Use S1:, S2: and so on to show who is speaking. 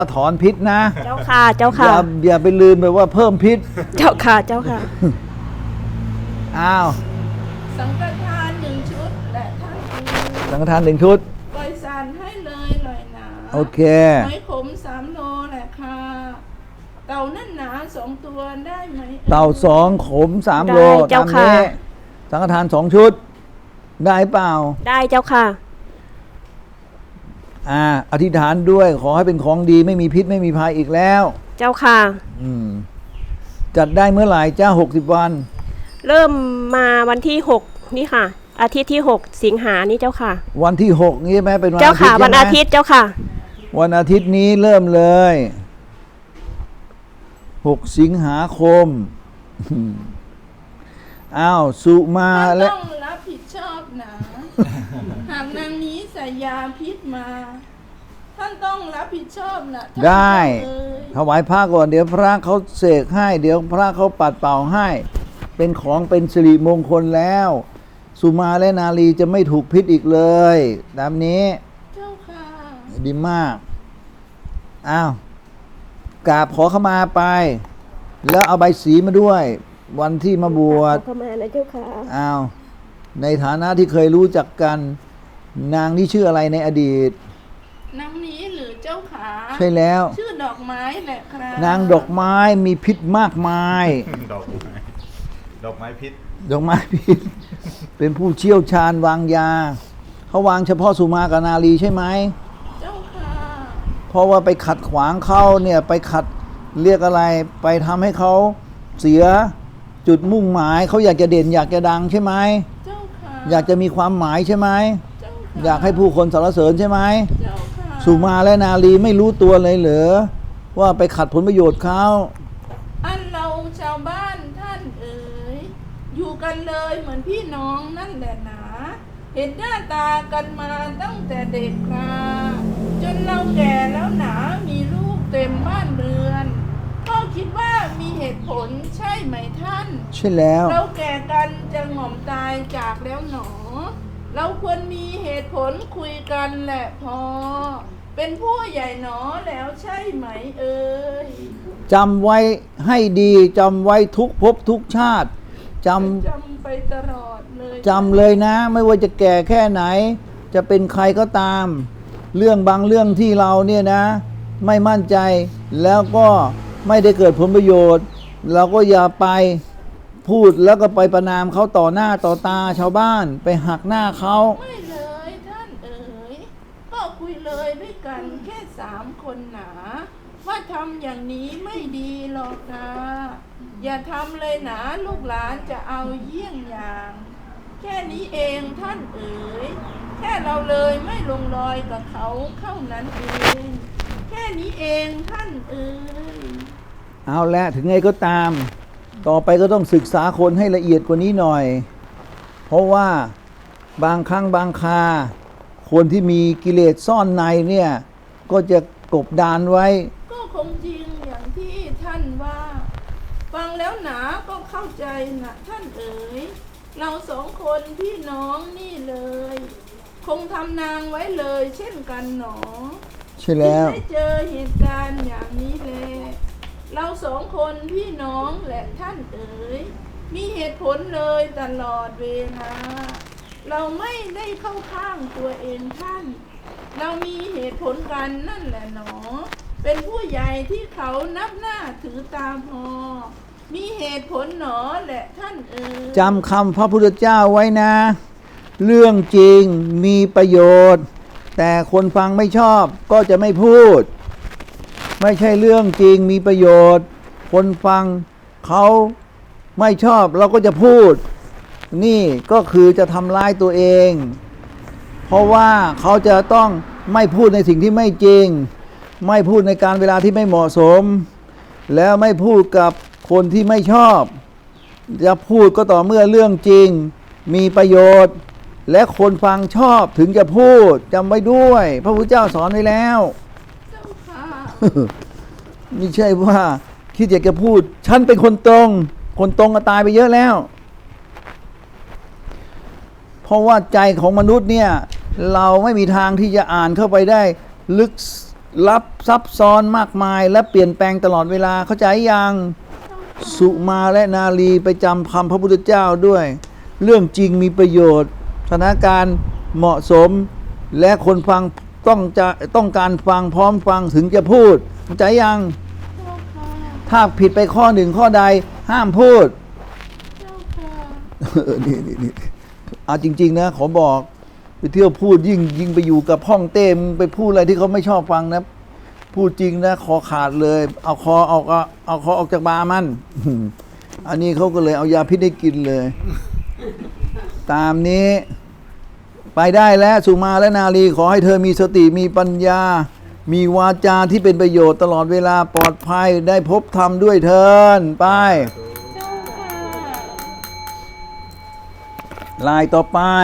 S1: ถอนพิษนะ
S2: เจ้าค่ะเจ้าค่ะ
S1: อย่าไปลืมไปว่าเพิ่มพิษ
S2: เจ้าค่ะเจ้าค่ะ
S1: อ้าว
S3: สังฆทาน1 ชุดและท่านอื่น
S1: สังฆทาน1 ชุด
S3: ปล่อยสารให้เลยลอยหนา
S1: โอเค
S3: หอยขม3 โลแหละค่ะเต่านั่นหนา2 ตัวได้ไหม
S1: เต่า2 ขม3 โล
S2: ได้เจ้า
S1: ตาม
S2: ค่ะ
S1: นี้สังฆทาน2 ชุด ได้เปล่า
S2: ได้เจ้าค่ะ
S1: อธิษฐานด้วยขอให้เป็นของดีไม่มีพิษไม่มีภัยอีกแล้ว
S2: เจ้าค่ะ
S1: จัดได้เมื่อไหร่จ้า60 วัน
S2: เริ่มมาวันที่6นี่ค่ะ อาทิตย์ที่6สิงหานี่เจ้าค่ะ
S1: วันที่6นี่ใช่ไหมเป็นวัน
S2: เจ้า
S1: อาทิต
S2: ค่ะ
S1: ย์
S2: วัน
S1: ใช่ไหม
S2: อาทิตย์เจ้าค่ะ
S1: วันอาทิตย์นี้เริ่มเลย6 สิงหาคม อ้าวสุมา
S3: ท่าน
S1: และ
S3: ต้องรับผิดชอบนะ หากนางนี้ใส่ยาพิษมา ท่านต้องรับผิดชอบนะท่าน
S1: ได้
S3: เอ่ย
S1: ถวายพระก่อนเดี๋ยวพระเขาเสกให้ เดี๋ยวพระเขาปัดเป่าให้ เป็นของเป็นสิริมงคลแล้ว สุมาและนาลีจะไม่ถูกพิษอีกเลยตามนี้
S3: เจ้าค่ะ
S1: ดีมาก อ้าวกราบขอขมาไป แล้วเอาใบสีมาด้วย วันที่มาบวช
S2: เข้ามานะเจ้าค่ะ
S1: อ้าวในฐานะที่เคยรู้จักกัน นางนี่ชื่ออะไรในอดีต
S3: นางนี้หรือเจ้าขา
S1: ใช่แล้ว
S3: ชื่อดอกไม้แหละครับ
S1: นางดอกไม้มีพิษมากมาย
S4: ดอกไม้ดอกไม้พิษ
S1: ดอกไม้พิษ เป็นผู้เชี่ยวชาญวางยา เขาวางเฉพาะสุมากับนาลีใช่ไหม
S3: เจ้าค่ะ
S1: เพราะว่าไปขัดขวางเขาเนี่ยไปขัดเรียกอะไร ไปทำให้เขาเสียจุดมุ่งหมาย เขาอยากจะเด่นอยากจะดังใช่ไหม
S3: เจ้าค่ะ
S1: อยากจะมีความหมายใช่ไหม
S3: เจ้าค่ะ
S1: อยากให้ผู้คนสรรเสริญใช่ไหม
S3: เจ้าค่ะ
S1: สุมาและนาลีไม่รู้ตัวเลยเหรอว่าไปขัดผลประโยชน์เขา
S3: อันเราชาวบ้านท่านเอ๋ยอยู่กันเลยเหมือนพี่น้องนั่นแหละหนาเห็นหน้าตากันมาตั้งแต่เด็กคราจนเราแก่แล้วหนามีลูกเต็มบ้านเรือนก็คิดว่ามีเหตุผลใช่ไหมท่าน
S1: ใช่แล้ว
S3: เราแก่กันจะหง่อมตายจากแล้วหนอ เราควรมีเหตุผลคุยกันแหละพอ เป็นผู้ใหญ่หนอแล้วใช่ไหมเอ่ย
S1: จำไว้ให้ดีจำไว้ทุกภพทุกชาติจ
S3: จำไปตลอดเลย
S1: ำจำเลยนะ ไม่ว่าจะแก่แค่ไหน จะเป็นใครก็ตาม เรื่องบางเรื่องที่เราเนี่ยนะ ไม่มั่นใจแล้วก็ไม่ได้เกิดผลประโยชน์ เราก็อย่าไปพูดแล้วก็ไปประนามเขาต่อหน้าต่อตาชาวบ้านไปหักหน้าเขา
S3: ไม่เลยท่านเอ๋ยก็คุยเลยด้วยกันแค่3 คนหนา ว่าทำอย่างนี้ไม่ดีหรอกนะอย่าทำเลยนะลูกหลานจะเอาเยี่ยงอย่าง แค่นี้เองท่านเอ๋ยแค่เราเลยไม่ลงรอยกับเขาเข้านั้นเอง แค่นี้เองท่านเอ๋ย
S1: เอาละถึงไงก็ตาม ต่อไปก็ต้องศึกษาคนให้ละเอียดกว่านี้หน่อย เพราะว่าบางครั้งบางคา คนที่มีกิเลสซ่อนในเนี่ย ก็จะกบดานไว้
S3: ก็คงจริงอย่างที่ท่านว่า ฟังแล้วหนาก็เข้าใจนะท่านเอ๋ยเรา2 คนพี่น้องนี่เลย คงทำนางไว้เลยเช่นกันหนอ
S1: ใช่แล้ว
S3: ที่ได้เจอเหตุการณ์อย่างนี้แลเรา2 คนพี่น้องแหละท่านเอ๋ยมีเหตุผลเลยตลอดเวลาเราไม่ได้เข้าข้างตัวเองท่าน เรามีเหตุผลกันนั่นแหละหนอ เป็นผู้ใหญ่ที่เขานับหน้าถือตาพอ มีเหตุผลหนอแหละท่านเอ๋ย
S1: จำคำพระพุทธเจ้าไว้นะ เรื่องจริงมีประโยชน์ แต่คนฟังไม่ชอบก็จะไม่พูด ไม่ใช่เรื่องจริงมีประโยชน์ คนฟังเขาไม่ชอบเราก็จะพูด นี่ก็คือจะทำร้ายตัวเอง เพราะว่าเขาจะต้องไม่พูดในสิ่งที่ไม่จริง ไม่พูดในการเวลาที่ไม่เหมาะสม แล้วไม่พูดกับคนที่ไม่ชอบ จะพูดก็ต่อเมื่อเรื่องจริงมีประโยชน์ และคนฟังชอบถึงจะพูดจำไว้ด้วย พระพุทธเจ้าสอนไว้แล้ว
S3: เจ้าค่ะ
S1: ไม่ใช่ว่าคิดอยากจะพูดฉันเป็นคนตรง คนตรงก็ตายไปเยอะแล้ว เพราะว่าใจของมนุษย์เนี่ย เราไม่มีทางที่จะอ่านเข้าไปได้ลึกลับซับซ้อนมากมายและเปลี่ยนแปลงตลอดเวลาเข้าใจยังสุมาและนาลีไปจำคำพระพุทธเจ้าด้วย เรื่องจริงมีประโยชน์สถานการณ์เหมาะสม และคนฟังต้องการฟังพร้อมฟังถึงจะพูดเข้าใจยัง
S3: เจ้าค่ะ
S1: ถ้าผิดไปข้อหนึ่งข้อใดห้ามพูด
S3: เจ้าค่ะ
S1: นี่เอาจริง ๆ นะ ขอบอกไปเที่ยวพูดยิ่งไปอยู่กับห้องเต้มงไปพูดอะไรที่เขาไม่ชอบฟังนะ พูดจริงนะคอขาดเลย เอาคอออกจากบามัน อันนี้เขาก็เลยเอายาพิษให้กินเลย ตามนี้ ไปได้แล้วสุมาและนาลีขอให้เธอมีสติมีปัญญา มีวาจาที่เป็นประโยชน์ตลอดเวลาปลอดภัยได้พบธรรมด้วยเถินไป
S3: เจ้าค่ะ
S1: ลายต่อไป